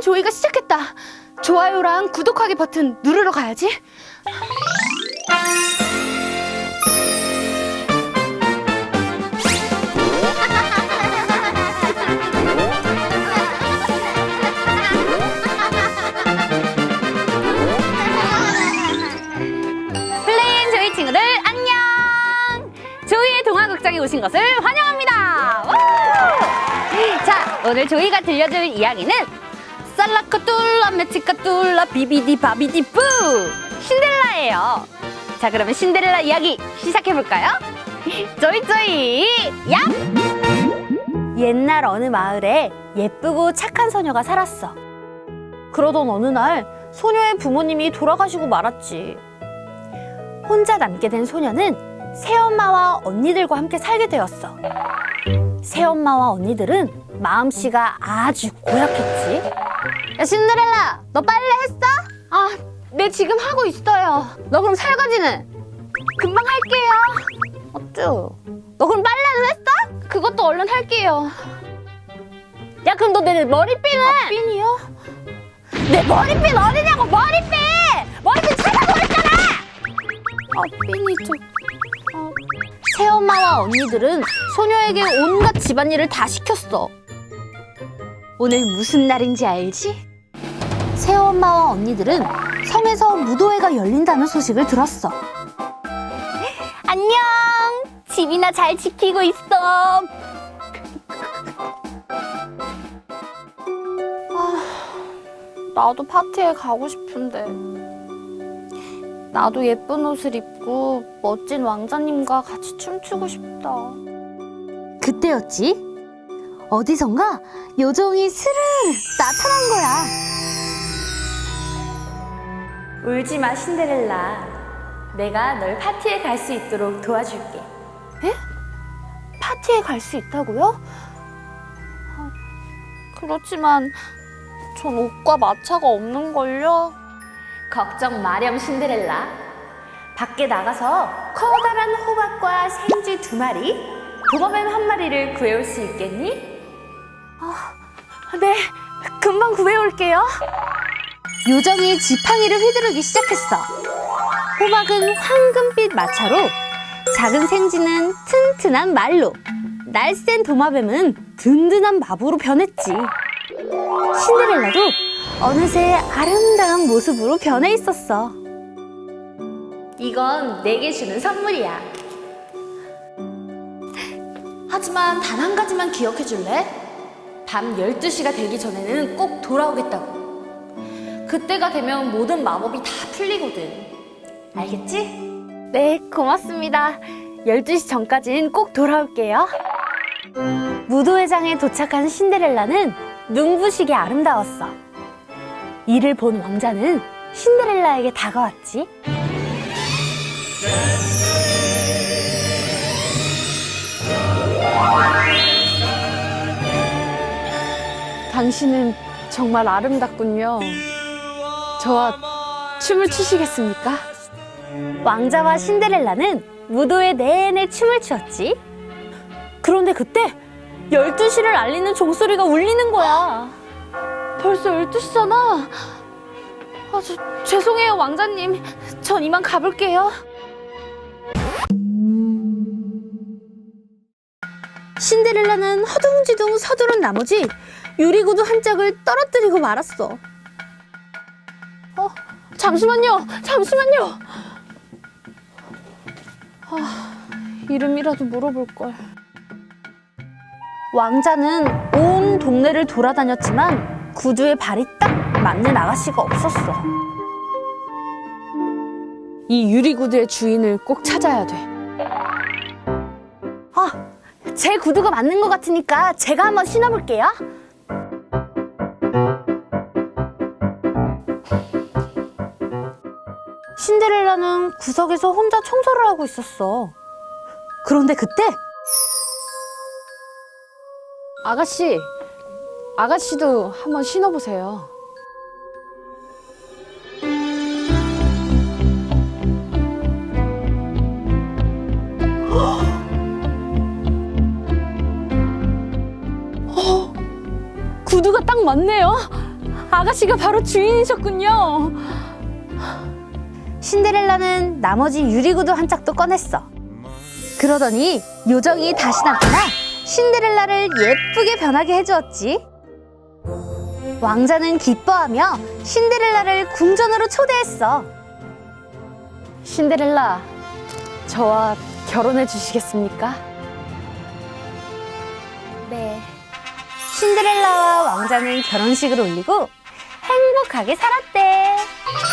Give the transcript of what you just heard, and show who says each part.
Speaker 1: 조이가 시작했다. 좋아요랑 구독하기 버튼 누르러 가야지. 플레이앤 조이 친구들 안녕! 조이의 동화극장에 오신 것을 환영합니다. 자, 오늘 조이가 들려줄 이야기는 살라카툴라 메치카툴라 비비디 바비디 뿌 신데렐라예요. 자, 그러면 신데렐라 이야기 시작해볼까요? 조이 야! 옛날 어느 마을에 예쁘고 착한 소녀가 살았어. 그러던 어느 날 소녀의 부모님이 돌아가시고 말았지. 혼자 남게 된 소녀는 새엄마와 언니들과 함께 살게 되었어. 새엄마와 언니들은 마음씨가 아주 고약했지. 야, 신데렐라, 너 빨래 했어? 아, 네, 지금 하고 있어요. 너 그럼 설거지는? 금방 할게요. 어쭈? 너 그럼 빨래는 했어? 그것도 얼른 할게요. 야, 그럼 너 내 머리핀은? 아, 핀이요? 내 머리핀 어디냐고, 머리핀! 머리핀 찾아버렸잖아! 아, 핀이 새엄마와 언니들은 소녀에게 온갖 집안일을 다 시켰어. 오늘 무슨 날인지 알지? 새엄마와 언니들은 성에서 무도회가 열린다는 소식을 들었어. 안녕! 집이나 잘 지키고 있어. 나도 파티에 가고 싶은데. 나도 예쁜 옷을 입고 멋진 왕자님과 같이 춤추고 싶다. 그때였지? 어디선가 요정이 스르르 나타난 거야. 울지 마, 신데렐라. 내가 널 파티에 갈 수 있도록 도와줄게. 에? 파티에 갈 수 있다고요? 그렇지만 전 옷과 마차가 없는걸요? 걱정 마렴, 신데렐라. 밖에 나가서 커다란 호박과 생쥐 2마리, 도마뱀 1마리를 구해올 수 있겠니? 네, 금방 구해올게요. 요정이 지팡이를 휘두르기 시작했어. 호박은 황금빛 마차로, 작은 생쥐는 튼튼한 말로, 날쌘 도마뱀은 든든한 마부로 변했지. 신데렐라도 어느새 아름다운 모습으로 변해 있었어. 이건 내게 주는 선물이야. 하지만 단 한 가지만 기억해 줄래? 밤 12시가 되기 전에는 꼭 돌아오겠다고. 그때가 되면 모든 마법이 다 풀리거든. 알겠지? 네, 고맙습니다. 12시 전까진 꼭 돌아올게요. 무도회장에 도착한 신데렐라는 눈부시게 아름다웠어. 이를 본 왕자는 신데렐라에게 다가왔지. 당신은 정말 아름답군요. 저와 춤을 추시겠습니까? 왕자와 신데렐라는 무도회 내내 춤을 추었지. 그런데 그때 12시를 알리는 종소리가 울리는 거야. 벌써 12시잖아. 죄송해요, 왕자님. 전 이만 가볼게요. 신데렐라는 허둥지둥 서두른 나머지 유리구두 한 짝을 떨어뜨리고 말았어. 잠시만요. 이름이라도 물어볼걸. 왕자는 온 동네를 돌아다녔지만 구두에 발이 딱 맞는 아가씨가 없었어. 이 유리구두의 주인을 꼭 찾아야 돼. 제 구두가 맞는 것 같으니까 제가 한번 신어볼게요. 신데렐라는 구석에서 혼자 청소를 하고 있었어. 그런데 그때 아가씨도 한번 신어보세요. 구두가 딱 맞네요. 아가씨가 바로 주인이셨군요. 신데렐라는 나머지 유리구두 한 짝도 꺼냈어. 그러더니 요정이 다시 나타나 신데렐라를 예쁘게 변하게 해주었지. 왕자는 기뻐하며 신데렐라를 궁전으로 초대했어. 신데렐라, 저와 결혼해 주시겠습니까? 네. 신데렐라와 왕자는 결혼식을 올리고 행복하게 살았대.